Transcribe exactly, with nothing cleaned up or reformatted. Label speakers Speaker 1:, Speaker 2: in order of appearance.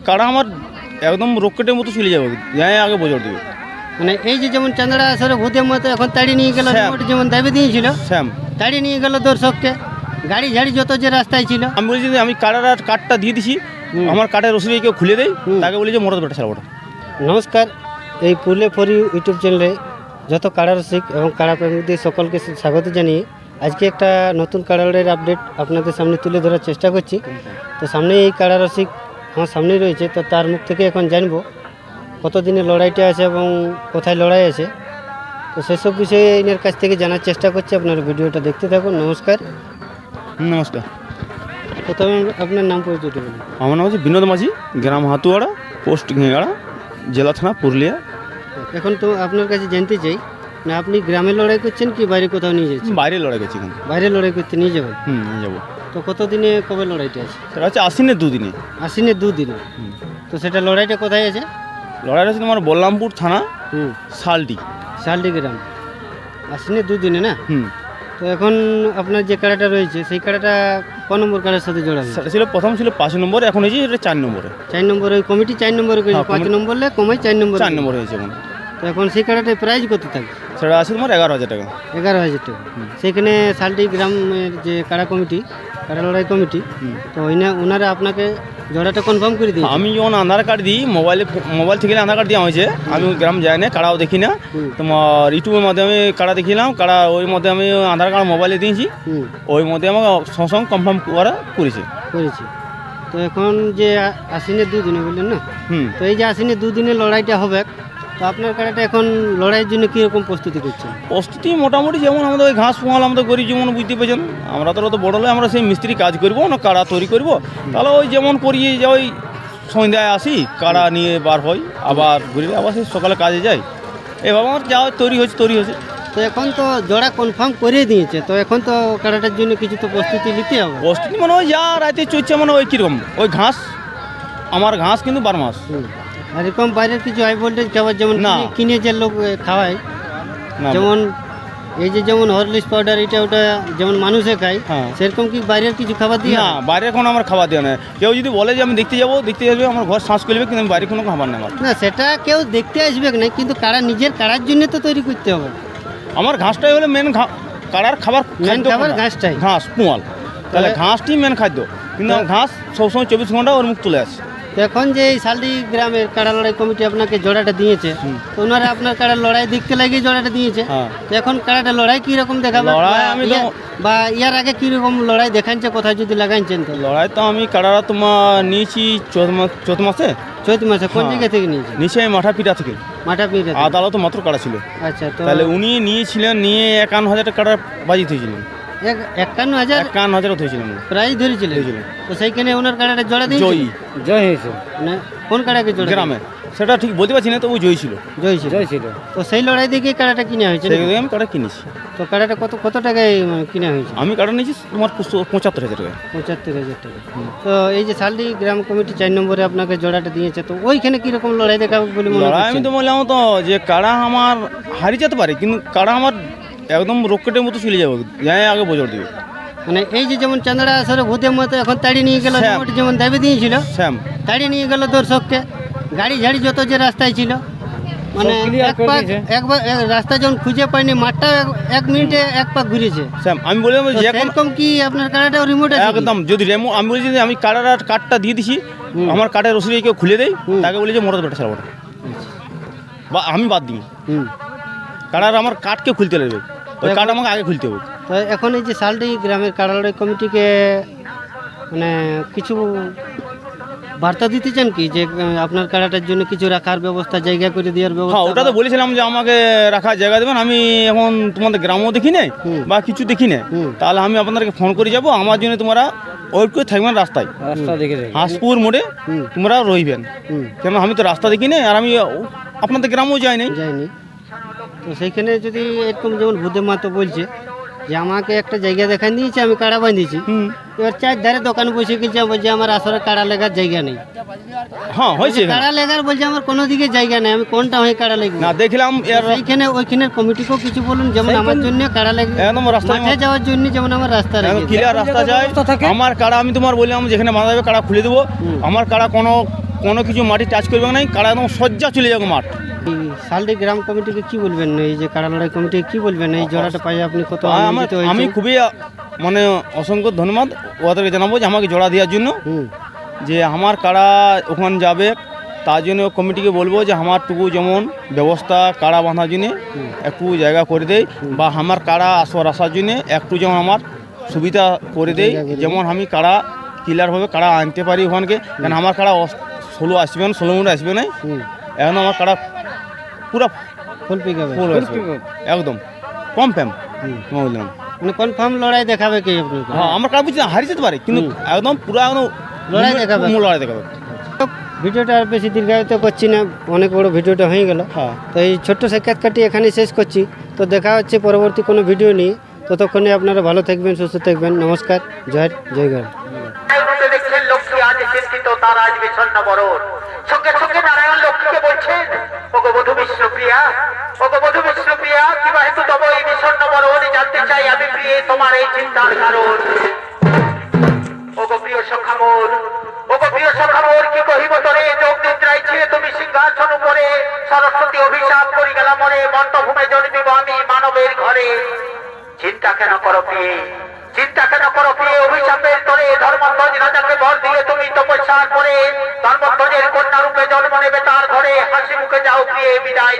Speaker 1: কারা আমার একদম রকেটের মতো চলে যাবে, যাই আগে বজর দিবে।
Speaker 2: মানে এই যে যেমন চান্দড়া আসরে ভূতের মতো এখন তাড়িয়ে নিয়ে গেল,
Speaker 1: শ্যাম।
Speaker 2: যেমন দাবি দিয়েছিল
Speaker 1: শ্যাম
Speaker 2: তাড়িয়ে নিয়ে গেল দর্শককে, গাড়ি ঝাড়ি যত যে রাস্তায় ছিল।
Speaker 1: আমি বলছি যে আমি কারার আর কার্ডটা দিয়ে দিছি,
Speaker 2: হুম।
Speaker 1: আমার কার্ডের রসিদ কেউ খুলে দেয়,
Speaker 2: হুম।
Speaker 1: তাকে বলি যে মোটর বেটা ছাড়া।
Speaker 2: নমস্কার, এই পুরুলিয়া ফর ইউ ইউটিউব চ্যানেলে যত কাড়া রসিক এবং কাড়া প্রেমীদের সকলকে স্বাগত জানিয়ে আজকে একটা নতুন কাড়া লড়াইয়ের আপডেট আপনাদের সামনে তুলে ধরার চেষ্টা করছি। তো সামনে এই কাড়া রসিক আমার সামনেই রয়েছে, তো তার মুখ থেকে এখন জানবো কতদিনের লড়াইটা আছে এবং কোথায় লড়াই আছে। তো সেসব বিষয়ে এনার কাছ থেকে জানার চেষ্টা করছি, আপনার ভিডিওটা দেখতে থাকুন। নমস্কার।
Speaker 1: নমস্কার,
Speaker 2: প্রথমে আপনার নাম পরিচয়টা বলুন।
Speaker 1: আমার নাম হচ্ছে বিনোদ মাঝি, গ্রাম হাতুয়াড়া, পোস্ট ঘেঁগাড়া, জেলা থানা পুরুলিয়া।
Speaker 2: এখন তো আপনার কাছে জানতে চাই, না আপনি গ্রামে লড়াই করছেন কি বাইরে কোথাও নিয়ে যাচ্ছেন?
Speaker 1: বাইরে লড়াই করছি কিন্তু।
Speaker 2: বাইরে লড়াই করতে নিয়ে যাবেন?
Speaker 1: হুম, নিয়ে যাবো।
Speaker 2: তো কতদিনে কবে লড়াইটা আছে?
Speaker 1: সেটা হচ্ছে আশ্বিনের দুদিনে।
Speaker 2: আশ্বিনের দুদিনে।
Speaker 1: হুম।
Speaker 2: তো সেটা লড়াইটা কোথায় আছে?
Speaker 1: লড়াইটা হচ্ছে তোমার বল্লামপুর থানা,
Speaker 2: হুম,
Speaker 1: শালটি।
Speaker 2: শালডি গ্রাম। আশ্বিনের দুদিনে না?
Speaker 1: হুম,
Speaker 2: তো এখন আপনার যে কাড়াটা রয়েছে সেই কাড়াটা ক নম্বর কাড়ার সাথে জোড়া হয়েছে?
Speaker 1: সেটা ছিল প্রথম ছিল পাঁচ নম্বরে, এখন হয়েছে এটা চার নম্বরে।
Speaker 2: চার নম্বর ওই কমিটি চার নম্বরে করেছে,
Speaker 1: হ্যাঁ,
Speaker 2: পাঁচ
Speaker 1: কমিটি-
Speaker 2: নম্বরে কমাই চার নম্বর।
Speaker 1: চার নম্বরে হয়েছে এখন।
Speaker 2: তো এখন সেই কাড়াটার প্রাইস কত থাকে?
Speaker 1: সেটা আছে তোমার এগারো হাজার টাকা।
Speaker 2: এগারো হাজার টাকা। সেইখানে শালডি গ্রামের যে কাড়া কমিটি, কাড়া লড়াই কমিটি,
Speaker 1: হুম।
Speaker 2: তো ওইনা ওনারা আপনাকে জোড়াটা কনফার্ম করে দিই।
Speaker 1: আমি যখন আধার কার্ড দিই, মোবাইলে মোবাইল থেকে আধার কার্ড দেওয়া হয়েছে, আমি ওই গ্রাম যাই না, কাড়াও দেখি না।
Speaker 2: হুম।
Speaker 1: তোমার ইউটিউবের মাধ্যমে কাড়া দেখিলাম, কাড়া ওই মধ্যে আমি আধার কার্ড মোবাইলে দিয়েছি,
Speaker 2: হুম,
Speaker 1: ওই মধ্যে আমাকে সঙ্গে সঙ্গে কনফার্ম করা করেছে।
Speaker 2: করেছি। তো এখন যে আ- আশ্বিনের দুদিনে বললেন না,
Speaker 1: হুম,
Speaker 2: তো এই যে আশ্বিনের দুদিনে লড়াইটা হবে, তো আপনার কাড়াটা এখন লড়াইয়ের জন্য কীরকম প্রস্তুতি করছেন?
Speaker 1: প্রস্তুতি মোটামুটি যেমন আমাদের ওই ঘাস পোঙাল আমাদের গরিব যেমন বুঝতে পেরেছেন, আমরা তো অত বড় হলে আমরা সেই মিস্ত্রি কাজ করবো না, কাড়া তৈরি করবো, তাহলে ওই যেমন করি যে ওই সন্ধ্যায় আসি, কাড়া নিয়ে বার হই, আবার ঘুরে আবার সেই সকালে কাজে যাই, এভাবে আমার যা তৈরি হয়েছে তৈরি হয়েছে।
Speaker 2: তো এখন তো জোড়া কনফার্ম করে দিয়েছে, তো এখন তো কাড়াটার জন্য কিছু তো প্রস্তুতি নিতে হবে।
Speaker 1: প্রস্তুতি মানে ওই যা রাতে চলছে, মানে ওই কীরকম ওই ঘাস, আমার ঘাস কিন্তু বারো মাস।
Speaker 2: হুম। আর এরকম বাইরের কিছু হাই ভোল্টেজ খাবার যেমন
Speaker 1: না।
Speaker 2: কিনে- কিনে যে লোক এ, খাওয়ায়,
Speaker 1: না,
Speaker 2: যেমন এই যে যেমন হরলিক্স পাউডার এটা ওটা যেমন মানুষে খায়,
Speaker 1: হ্যাঁ।
Speaker 2: সেরকম কি বাইরের কিছু খাবার দিয়ে?
Speaker 1: না, বাইরে কোনো আমার খাবার দেওয়া নেই। কেউ যদি বলে যে আমি দেখতে যাবো, দেখতে যাবে, আমার ঘর শ্বাস করবে, কিন্তু আমি বাইরে কোনো খাবার নেই আমার।
Speaker 2: না, সেটা কেউ দেখতে আসবে না, কিন্তু কারা নিজের কারার জন্য তো তৈরি করতে হবে।
Speaker 1: আমার ঘাসটাই হলো মেন, কাড়ার খাবার
Speaker 2: মেন
Speaker 1: খাদ্য
Speaker 2: খাবার
Speaker 1: কোনটা?
Speaker 2: ঘাসটাই।
Speaker 1: ঘাস পোয়াল, তাহলে
Speaker 2: তাহলে-
Speaker 1: ঘাসটি মেন খাদ্য, কিন্তু
Speaker 2: তো-
Speaker 1: আমার ঘাস সবসময় চব্বিশ ঘন্টা ওর মুখ তুলে আসে।
Speaker 2: তো এখন যে এই শালডি গ্রামের কাড়া লড়াই কমিটি আপনাকে জোড়াটা দিয়েছে,
Speaker 1: হুম।
Speaker 2: তো ওনারা আপনার কাড়া লড়াই দেখতে লাগিয়ে জোড়াটা দিয়েছে।
Speaker 1: হ্যাঁ।
Speaker 2: তো এখন কাড়াটা লড়াই কীরকম দেখাবে?
Speaker 1: লড়াই
Speaker 2: বা
Speaker 1: আমি তো-
Speaker 2: ইয়া- বা ইয়ার আগে কীরকম লড়াই দেখাচ্ছে, কোথায় যদি লাগাইছেন? তো
Speaker 1: লড়াই তো আমি কাড়ারা তোমার নিয়েছি চৌদ্দ মাস চৌদ্দ মাসে
Speaker 2: চৈত মাসে কোন
Speaker 1: হ্যাঁ।
Speaker 2: জায়গা থেকে নিয়েছে?
Speaker 1: নিচে আমি মাঠা পিঠা থেকে,
Speaker 2: মাঠা পিঠা থেকে।
Speaker 1: আদালত মাত্র কাড়া ছিল।
Speaker 2: আচ্ছা, তো
Speaker 1: তাহলে উনি নিয়েছিলেন, নিয়ে একান্ন হাজার টাকা কাড়া বাজি থয়েছিলেন,
Speaker 2: এক- একান্ন হাজার
Speaker 1: একান্ন হাজারও থয়েছিলেন।
Speaker 2: প্রাইজ ধরেছিলেন।
Speaker 1: ধরেছিলেন।
Speaker 2: তো সেইখানে ওনার কাড়াটা জোড়া দিয়েছে?
Speaker 1: জয়ী
Speaker 2: জয় হয়েছে না? কোন কাড়াকে জোড়া?
Speaker 1: গ্রামে, সেটা ঠিক বলতে পারছি না, তবু জয়ী ছিল।
Speaker 2: জয় ছিল। জয় ছিল। তো সেই লড়াই দেখে কাড়াটা কিনা হয়েছে
Speaker 1: সেই
Speaker 2: নাকি?
Speaker 1: থেকে আমি কাড়া কিনেছি।
Speaker 2: তো কাড়াটা কত কত টাকায় মানে কিনা হয়েছে?
Speaker 1: আমি কাড়া নিয়েছি তোমার পঁচো- পঁচাত্তর হাজার টাকা।
Speaker 2: পঁচাত্তর হাজার টাকা। তো এই যে শালডি গ্রাম কমিটি চার নম্বরে আপনাকে জোড়াটা দিয়েছে, তো ওইখানে কিরকম লড়াই দেখাবে বলে মনে
Speaker 1: লড়াই আমি
Speaker 2: হচ্ছে?
Speaker 1: তো বললাম তো যে কাড়া আমার হারিয়ে যেতে পারে, কিন্তু কাড়া আমার একদম রকেটের মতো চলে যাবে, যাই আগে বজর দিবে।
Speaker 2: মানে এই যে যেমন চান্দড়া আসরে ভূতের মতো এখন তাড়িয়ে নিয়ে গেল,
Speaker 1: শ্যাম।
Speaker 2: যেমন দাবি দিয়েছিল
Speaker 1: শ্যাম
Speaker 2: তাড়িয়ে নিয়ে গেল দর্শককে, গাড়ি ঝাড়ি যত যে রাস্তায় ছিল, মানে এক পাক একবার এক রাস্তা যখন খুঁজে পায়নি, মাঠটা এক- এক মিনিটে এক পাক ঘুরেছে।
Speaker 1: শ্যাম আমি বললাম
Speaker 2: তো
Speaker 1: যে এখন
Speaker 2: সেরকম কি আপনার কাড়াটা রিমোট আছে কি?
Speaker 1: একদম যদি রেমো, আমি বলছি যে আমি কাড়ার আর কার্ডটা দিয়ে দিছি,
Speaker 2: হুম।
Speaker 1: আমার কার্ডের রসিদ কেউ খুলে দেয়,
Speaker 2: হুম।
Speaker 1: তাকে বলি যে মোটর বেটা ছাড়া, বা আমি বাদ দিই।
Speaker 2: হুম।
Speaker 1: কাড়ার আমার কার্ডকে খুলতে লাগবে, ওই
Speaker 2: এখন-
Speaker 1: কার্ড আমাকে আগে খুলতে হবে।
Speaker 2: তো এখন এই যে শালডি গ্রামের কাড়া লড়াই কমিটিকে মানে কিছু বার্তা দিতে চান কি, যে আহ, আপনার কাড়াটার জন্য কিছু রাখার ব্যবস্থা, জায়গা করে দেওয়ার
Speaker 1: হ্যাঁ,
Speaker 2: ব্যবস্থা?
Speaker 1: ওটা তো বলেছিলাম যে আমাকে রাখার জায়গা দেবেন, আমি এখন তোমাদের গ্রামও দেখি নাই
Speaker 2: হুম।
Speaker 1: বা কিছু দেখি নাই,
Speaker 2: হুম।
Speaker 1: তাহলে আমি আপনাদেরকে ফোন করে যাব, আমার জন্য তোমরা ওয়েট করে থাকবেন রাস্তায়,
Speaker 2: রাস্তা দেখে
Speaker 1: হাঁসপুর মোড়ে
Speaker 2: হুম।
Speaker 1: তোমরা রইবেন,
Speaker 2: হুম।
Speaker 1: কেন আমি তো রাস্তা দেখি নাই, আর আমি আপনাদের গ্রামেও যাই নাই।
Speaker 2: যায়নি। তো সেইখানে যদি এরকম যেমন ভূতে মাতো বলছে যে আমাকে একটা জায়গা দেখান দিয়েছে, আমি কাড়া বাঁধিয়েছি,
Speaker 1: হুম,
Speaker 2: এবার চার ধারে দোকান বসে গেছে, বলছে আমার আসলে কাড়া লেগার জায়গা নেই।
Speaker 1: হ্যাঁ হয়েছে এখানে।
Speaker 2: কাড়া লেগার বলছে আমার কোনো দিকে জায়গা নেই, আমি কোনটা হয়ে কাড়া লেগব?
Speaker 1: না দেখলাম এর
Speaker 2: এইখানে ওইখানের কমিটিকেও কিছু বলুন, যেমন আমার জন্য কাড়া লেগে
Speaker 1: একদম রাস্তায়
Speaker 2: মাঠে যাওয়ার জন্য যেমন আমার রাস্তা লেগে
Speaker 1: ক্লিয়ার রাস্তা যায়, আমার কাড়া আমি তোমার বললাম যেখানে বাঁধা যাবে কাড়া খুলে দেবো,
Speaker 2: হুম।
Speaker 1: আমার কাড়া কোনো কোনো কিছু মাটি টাচ করবে না, কাড়া একদম সজ্জা চলে যাবে মাঠ।
Speaker 2: এই শালডি গ্রাম কমিটিকে কি বলবেন, এই যে কাড়া লড়াই কমিটিকে কি বলবেন, এই জোড়াটা পাই আপনি কত
Speaker 1: আমার
Speaker 2: আনন্দিত
Speaker 1: আমি
Speaker 2: হয়েছেন?
Speaker 1: খুবই মানে অসংখ্য ধন্যবাদ ওদেরকে জানাবো যে আমাকে জোড়া দেওয়ার জন্য,
Speaker 2: হুম
Speaker 1: যে আমার কাড়া ওখানে যাবে তার জন্য কমিটিকে বলবো যে আমারটুকু যেমন ব্যবস্থা কাড়া বাঁধার জন্য একটু জায়গা করে দেয়, বা আমার কাড়া আসর আসার জন্য একটু যেমন আমার সুবিধা করে দেয়,
Speaker 2: জায়গা করে
Speaker 1: যেমন আমি কাড়া ক্লিয়ারভাবে কাড়া আনতে পারি ওখানকে। কারণ আমার কাড়া ষোলো আসবে না, ষোলো মিনিট আসবে না,
Speaker 2: হুম
Speaker 1: এখন আমার কাড়া পুরো
Speaker 2: ফুল পিক হবে,
Speaker 1: ফুল আসবে একদম কম ফ্যাম
Speaker 2: হুম।
Speaker 1: বললাম।
Speaker 2: মানে কনফার্ম লড়াই দেখাবে কি আপনি?
Speaker 1: হ্যাঁ আমার কাড়া বুঝছি না হারিয়ে যেতে পারে, কিন্তু একদম পুরো একদম
Speaker 2: লড়াই দেখাবে।
Speaker 1: মূল লড়াই দেখাবে।
Speaker 2: ভিডিওটা আর বেশি দীর্ঘায়িত করছি না, অনেক বড় ভিডিওটা হয়ে গেল।
Speaker 1: হ্যাঁ
Speaker 2: তো এই ছোট্ট সাক্ষাৎকারটি এখানেই শেষ করছি। তো দেখা হচ্ছে পরবর্তী কোনো ভিডিও নিয়ে, ততক্ষণে আপনারা ভালো থাকবেন, সুস্থ থাকবেন। নমস্কার, জয় জয় গান।
Speaker 3: মধ্যে দেখছেন লক্ষ্মী আজ চিন্তিত, তার আজ বিষণ্ণ বরণ। সঙ্গে সঙ্গে নারায়ণ লক্ষ্মীকে বলছেন, ওগো বধূ বিষ্ণুপ্রিয়া, ওগো বধূ বিষ্ণুপ্রিয়া, কিবা হেতু তব এই বিষণ্ণ বরণ, জানতে চাই আমি প্রিয়ে তোমার এই চিন্তার কারণ। ওগো প্রিয় সখা মোর, ওগো প্রিয় সখা মোর, কি কহিব তোরে, যোগ নিদ্রায় ছিলে তুমি সিংহাসন উপরে, সরস্বতী অভিশাপ করি গেলা মরে, মন্টভূমে জন্মিব আমি মানবের ঘরে। চিন্তা কেন করো প্রিয়ে, চিন্তা কেন করো প্রিয়ে, অভিশাপের তোরে ধর্মধ্বজ রাজাকে বর দিয়ে তুমি তপস্যার পরে ধর্মধ্বজের কন্যা রূপে জন্ম নেবে তার ঘরে। হাসি মুখে যাও প্রিয়ে, বিদায়